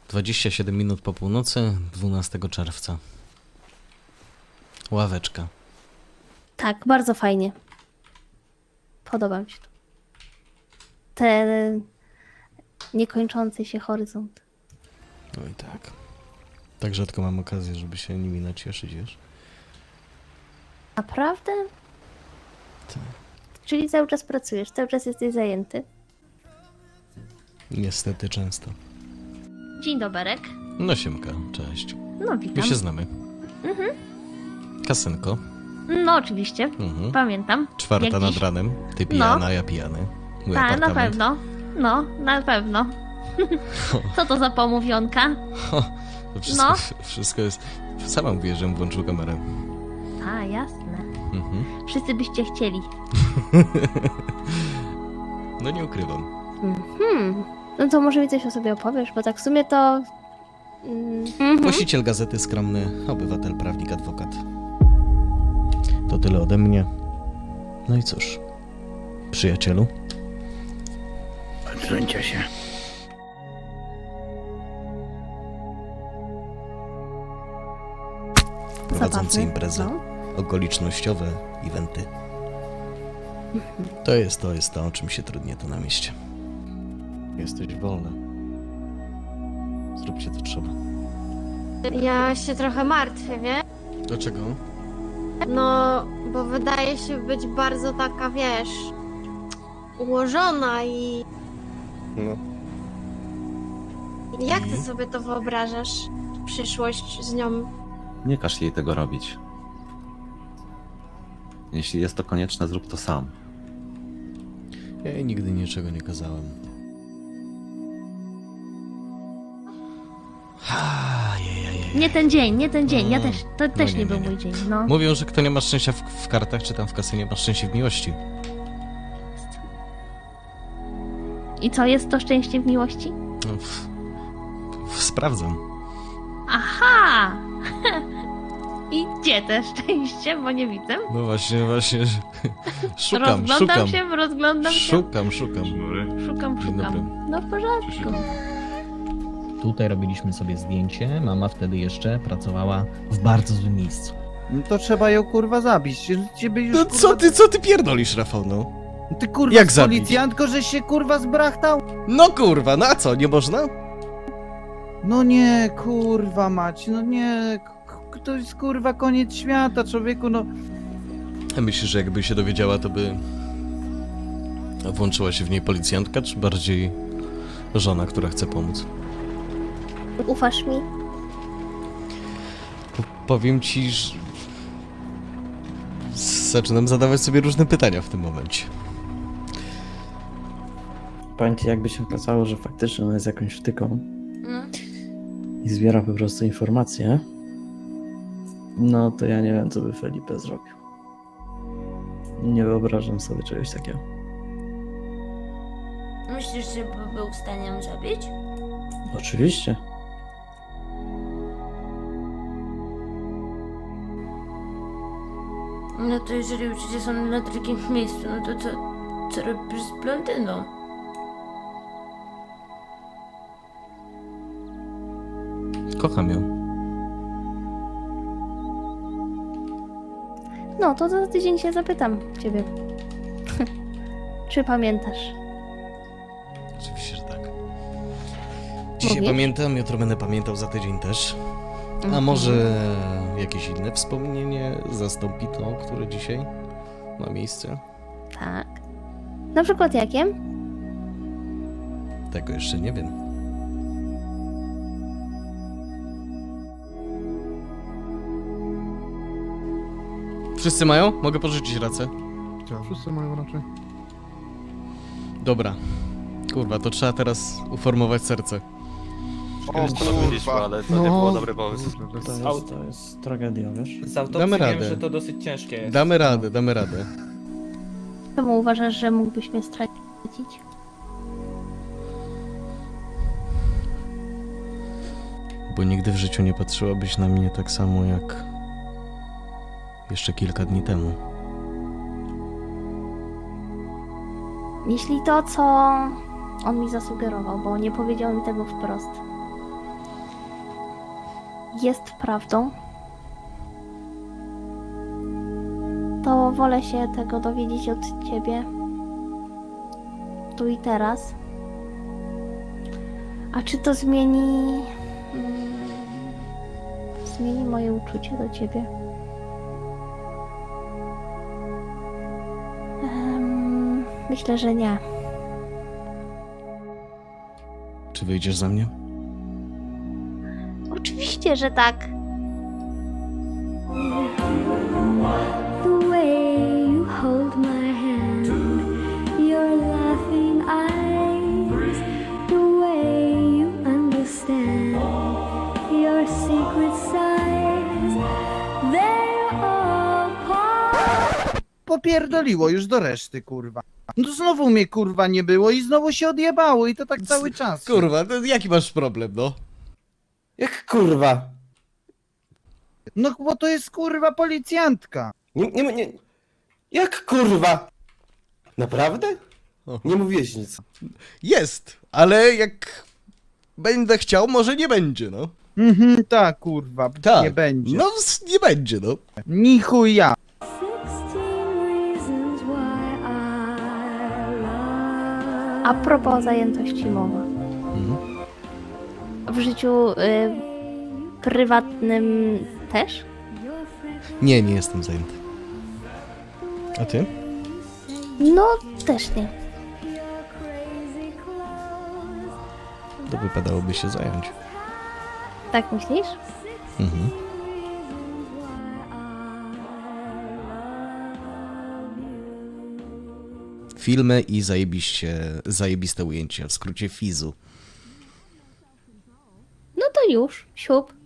27 minut po północy, 12 czerwca. Ławeczka. Tak, bardzo fajnie. Podoba mi się to. Ten niekończący się horyzont. No i tak. Tak rzadko mam okazję, żeby się nimi nacieszyć, wiesz? Naprawdę? Tak. Czyli cały czas pracujesz, cały czas jesteś zajęty. Niestety często. Dzień doberek. No siemka, cześć. No My witam. się znamy. Kasynko. No oczywiście, pamiętam. Czwarta Jak nad dziś. ranem. Ty pijana, ja pijany. Mój Tak, na apartament. pewno. No, na pewno. Co to za pomówionka? To wszystko, No. wszystko jest... Sama mówię, żebym włączył kamerę. A, jasne. Mhm. Wszyscy byście chcieli. No nie ukrywam. No to może mi coś o sobie opowiesz, bo tak w sumie to... Właściciel gazety, skromny obywatel, prawnik, adwokat. To tyle ode mnie. No i cóż, przyjacielu. Odsuńcie się. Prowadzący Zabawy, imprezy, no. okolicznościowe eventy. To jest to, o czym się trudnie tu na mieście. Jesteś wolna. Zróbcie to trzeba. Ja się trochę martwię, wiesz? Dlaczego? No, bo wydaje się być bardzo taka, wiesz, ułożona i No. jak ty sobie to wyobrażasz? Przyszłość z nią. Nie każ jej tego robić. Jeśli jest to konieczne, zrób to sam. Ja jej nigdy niczego nie kazałem. Nie ten dzień, nie ten dzień. Ja też, to też nie, nie nie, był nie. mój dzień, no. Mówią, że kto nie ma szczęścia w kartach, czy tam w kasynie, ma szczęście w miłości. I co, jest to szczęście w miłości? No, sprawdzam. Aha! I gdzie te szczęście, bo nie widzę. No właśnie, szukam. Rozglądam się. Szukam. Szukam. Dzień dobry. No w porządku. Tutaj robiliśmy sobie zdjęcie. Mama wtedy jeszcze pracowała w bardzo złym miejscu. No to trzeba ją kurwa zabić. Ciebie już, No kurwa, co ty pierdolisz, Rafał, no? Ty kurwa Jak z zabić? policjantko, że się kurwa zbrachtał? No kurwa, no a co, nie można? No nie, kurwa mać, no nie. To jest kurwa koniec świata, człowieku, no. A myślisz, że jakby się dowiedziała, to by włączyła się w niej policjantka, czy bardziej żona, która chce pomóc? Ufasz mi? Powiem ci, że zaczynam zadawać sobie różne pytania w tym momencie. Powiem ci, jakby się okazało, że faktycznie ona jest jakąś wtyką No. i zbiera po prostu informacje, no to ja nie wiem, co by Felipe zrobił. Nie wyobrażam sobie czegoś takiego. Myślisz, że był w stanie ją zabić? Oczywiście. No to jeżeli uczucia są na takim miejscu, no to co robisz z blondyną? Kocham ją. No, to za tydzień się zapytam ciebie. Czy pamiętasz? Oczywiście, że tak. Dzisiaj Mówisz? pamiętam, jutro będę pamiętał, za tydzień też. A Mhm. może jakieś inne wspomnienie zastąpi to, które dzisiaj ma miejsce? Tak. Na przykład jakie? Tego jeszcze nie wiem. Wszyscy mają? Mogę pożyczyć racę? Wszyscy mają raczej. Dobra. Kurwa, to trzeba teraz uformować serce. O kurwa. ale to nie było dobry pomysł. To jest tragedia, wiesz? Z autopsji Damy wiem, radę. że to dosyć ciężkie jest. Damy radę. Czemu uważasz, że mógłbyś mnie stracić? Bo nigdy w życiu nie patrzyłabyś na mnie tak samo jak jeszcze kilka dni temu. Jeśli to, co on mi zasugerował, bo nie powiedział mi tego wprost. jest prawdą, to wolę się tego dowiedzieć od ciebie tu i teraz. A czy to zmieni moje uczucie do ciebie? Myślę, że nie. Czy wyjdziesz za mnie? Oczywiście, że tak. The way you hold my hand, your laughing eyes, the way you understand, your secret sighs, they're all part. Popierdoliło już do reszty, kurwa. No znowu mnie, kurwa, nie było i znowu się odjebało i to tak cały czas. Kurwa, to jaki masz problem, no? Jak kurwa? No bo to jest, kurwa, policjantka. Nie. Jak kurwa? Naprawdę? O. Nie mówiłeś nic. Jest, ale jak będę chciał, może nie będzie, no. Tak, kurwa, Tak. nie będzie. No, nie będzie, no. Ni chuja. 16 reasons why I love. A propos zajętości mowa. Mhm. W życiu prywatnym też? Nie jestem zajęty. A ty? No, też nie. To wypadałoby się zająć. Tak myślisz? Mhm. Filmy i zajebiste ujęcia, w skrócie Fizu. No to już, siup.